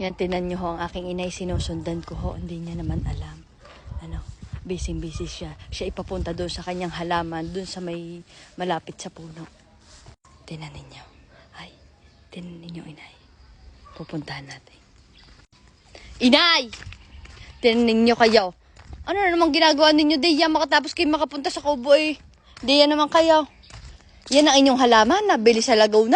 Yan, tinan nyo ho, ang aking inay sinusundan ko ho. Hindi niya naman alam. Ano, busy siya. Siya ipapunta doon sa kanyang halaman, doon sa may malapit sa puno. Tinan ninyo. Ay, tinan ninyo, inay. Pupuntahan natin. Inay! Tinan ninyo kayo. Ano na naman ginagawa ninyo? Di yan makatapos kayo makapunta sa kubo eh. Di yan naman kayo. Yan ang inyong halaman, nabili sa Laguna.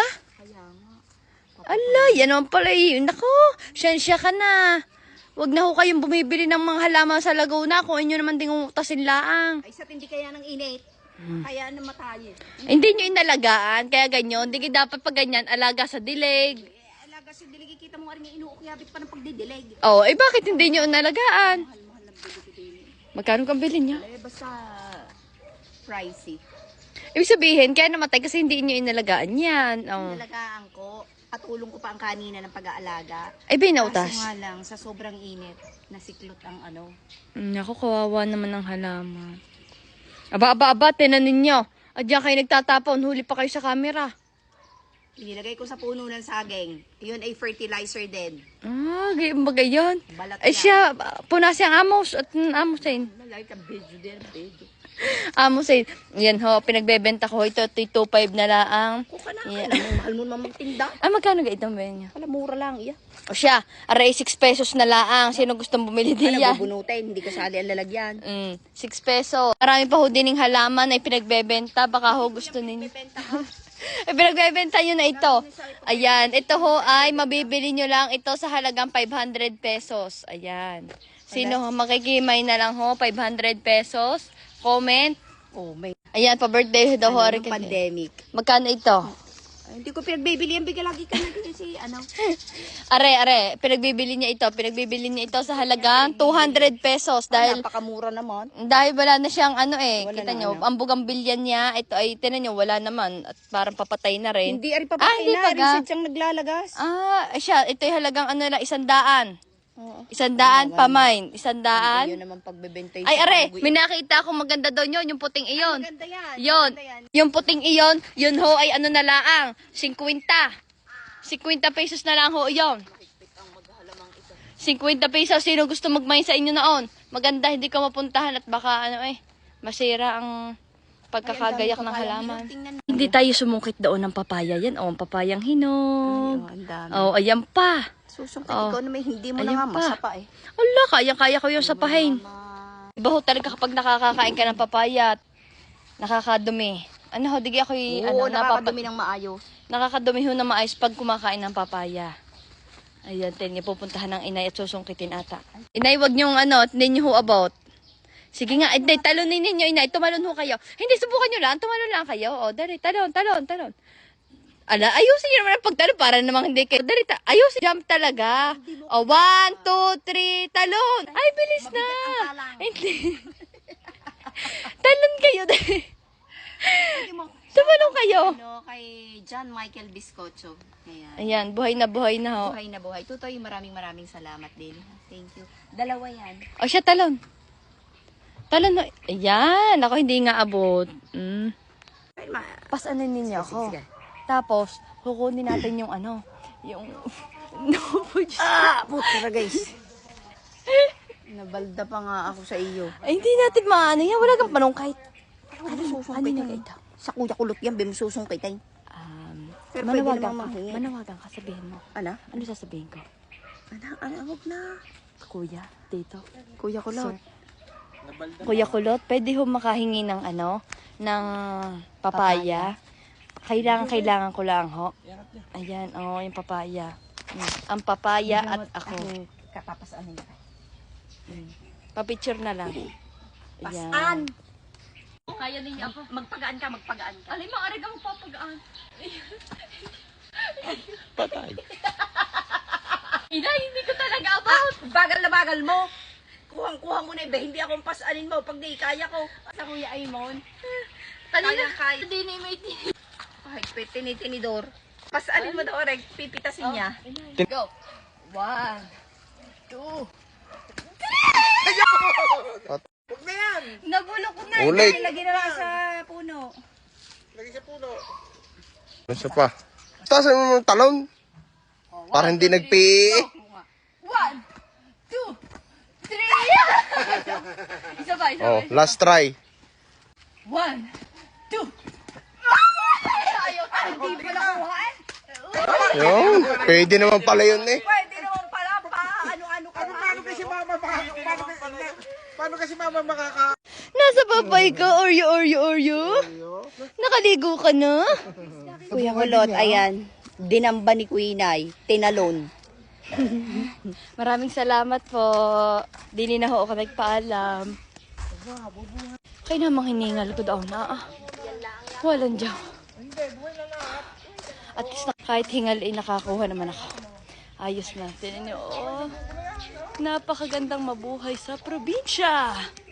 Ala, yan naman pala eh. Nako, siyensya ka na. Wag na ho kayong bumibili ng mga halaman sa Laguna kung inyo naman ding utasin laang. Ay, sa tindi kaya ng init. Kaya namatayin. Hindi nyo inalagaan, kaya ganyan. Hindi dapat pag ganyan, alaga sa dilig. Alaga si dilig, kita mo nga rin yung inuukyabit pa ng pagdidilig. Oh, eh bakit hindi nyo inalagaan? Mahal na bili ko din. Magkano kang bilhin nyo? Eh, basta pricey. Ibig sabihin, kaya namatay kasi hindi nyo inalagaan yan. Oh. Inalagaan ko. Patulong ko pa ang kanina ng pag-aalaga. Ay, binautas. Kaso nga lang, sa sobrang init, nasiklot ang ano. Naku, kawawa naman ang halaman. Aba, tinan ninyo. At diyan kayo nagtatapon, huli pa kayo sa camera. Inilagay ko sa puno ng saging. Yun ay fertilizer din. Ah, bagay yun. Balat Ay yan. siya, punas yung amos at amosin. Nalagay ka bejo din, bejo. Amosin. Yan ho, pinagbebenta ko. Ito, 2.5 na laang. Kung ka na, Yeah. alam mo, mahal mo naman magtinda. Ah, magkano ga itong ben niya? Alam, mura lang, iya. O siya, aray 6 pesos na laang. Sino gustong bumili Alam, diyan? bubunutin, hindi kasali ang lalagyan. 6 peso. Marami pa ho din ng halaman ay pinagbebenta. Baka ho gusto ninyo. Benta ka. Ay, pinagbebenta nyo na ito. Ayan, ito ho ay mabibili nyo lang ito sa halagang 500 pesos. Ayan. Sino ho, makikimay na lang ho, 500 pesos. Comment. Oh, may Ayan, pa-birthday daw ho. ano, yung pandemic. Magkano ito? Ay, hindi ko pinagbibili ang bigla lagi ka na si ano. Are, pinagbibili niya ito sa halagang 200 pesos dahil Napakamura naman. wala na siyang ano eh. Wala Kita na, nyo, ano? ang bugambilyan niya, ito ay tinan nyo, wala naman at parang papatay na rin. Hindi, ari papatay hindi na. pa ga? Research ang naglalagas. Siya, ito ay halagang ano lang, 100. Oo. 100 pamain, 100. Yun naman pagbebenta Ay, are, may nakita akong maganda doon yun, yung puting iyon. Maganda yan. Yun, Maganda yan. yung puting iyon, yun ho ay ano na laang, 50. 50 pesos na lang ho yun. 50 pesos, sino gusto magmay sa inyo noon? Maganda, hindi ka mapuntahan at baka ano masira ang pagkakagayak ng halaman. Hindi tayo sumungkit doon ng papaya yan. O, ang papayang hinog. Ang dami. O, ayan pa. Susungkit Oh. ikaw na may hindi mo Ayan na nga pa. masapa eh. Ala, kaya ko yung sapahin. Iba ho talaga kapag nakakakain ka ng papaya at nakakadumi. Ano ho, digi ako Oo, nakakadumi ng maayos. nakakadumi ho na maayos pag kumakain ng papaya. Ayan, tin niya pupuntahan ng inay at susungkitin ata. Inay, wag niyong hindi niyo ho about. Sige nga, inay, talunin ninyo, inay, tumalon ho kayo. Hindi, subukan niyo lang, tumalon lang kayo. O, dari, talon. Ala, ayusin niyo naman ang pagtalon para namang hindi kayo. Dari, ayusin, jump talaga. O, 1, 2, 3, talon. Ay, bilis na. Hindi. Talon kayo, dari. Tumalon kayo. Ano, kay John Michael Biscocho. Ayan. Ayan, buhay na ho. Buhay na buhay. Tutoy, maraming salamat din. Thank you. Dalawa yan. O siya, talon. Talon na. Ayan, ako hindi nga abot. Pasanin ninyo ako. Sige. Tapos, kukunin natin yung yung... Putra guys. Nabalda pa nga ako sa iyo. Ay, hindi natin maano yan. Wala kang panungkait. Ano susungkit Ano tayo? na ito? Sa kuya kulot yan, bim susungkit tayo. Pero pwede namang mahingi. Manawagan ka, sabihin mo. Ano? Ano sasabihin ko? Huwag na. Kuya, dito. Kuya kulot. Kuya Kulot, pwede ho makahingi ng ng papaya. Kailangan ko lang ho. Ayan, yung papaya. Ang papaya at ako. Kapapasaan nila. Pa-picture na lang. Pasaan! Kaya ninyo ako. Magpagaan ka. Alay, maaari ka magpapagaan. Patay. Inay, hindi ko talaga about. Bagal na bagal mo. Kuhang-kuha mo na iba. Hindi akong pasanin mo pag di kaya ko. Sa Kuya Aimon. Kanina, Kaya. hindi na may Ay, tinitinidor. Pasanin mo daw, Reg. Pipitasin niya. Go. 1, 2. Huwag na yan. Nagulo ko na. Ulit. Lagi na lang sa puno. Isa pa. Tasan mo yung talon. Para hindi nagpi. Isa ba, isa Oh, ba? last try. 1, 2. Ayaw ka, hindi pa nakuha eh. Yun, pwede naman pala yun eh. Pwede naman pala pa. Ano-ano ka na. Paano kasi mama makaka... Nasa papay ka, Oreo. Nakaligo ka na? Kuya Kulot, ayan. Dinamba ni Quinay. Tinalon. Maraming salamat po. Dili na ho ako nagpaalam. Kaya namang hiningal ko daw na. Walang jaw. At least kahit hingal ay nakakuha naman ako. Ayos na. Tinan niyo, oh. Napakagandang mabuhay sa probinsya.